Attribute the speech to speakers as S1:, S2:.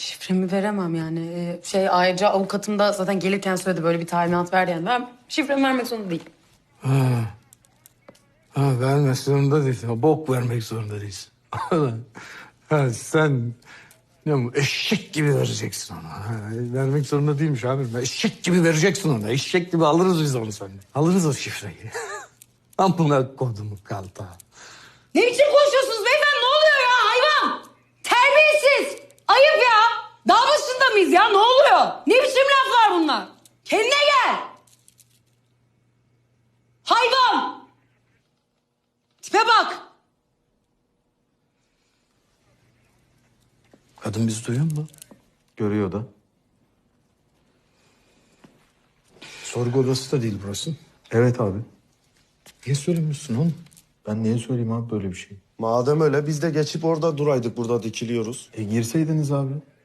S1: Şifremi veremem yani. Ayrıca avukatım da zaten gelirken söyledi böyle bir talimat ver yani. Ben şifremi vermek zorunda değilim.
S2: Ha, vermek zorunda değilsin. Ha, bok vermek zorunda değilsin. Ha, sen eşek gibi vereceksin ona. Ha, vermek zorunda değilmiş abi. Eşek gibi vereceksin ona. Eşek gibi alırız biz onu senden. Alırız o şifreyi. Amına kodumu kalta.
S1: Ne biçim konuşuyorsunuz beyefendi? Ne oluyor ya hayvan? Terbiyesiz. Ayıp ya. Dağ başında mıyız ya? Ne oluyor? Ne biçim laflar bunlar? Kendine gel. Hayvan. Tipe bak.
S2: Kadın bizi duyuyor mu?
S3: Görüyor da.
S2: Sorgu odası da değil burası.
S3: Evet abi.
S2: Niye söylemiyorsun oğlum?
S3: Ben niye söyleyeyim abi böyle bir şey?
S4: Madem öyle biz de geçip orada duraydık, burada dikiliyoruz.
S3: Girseydiniz abi.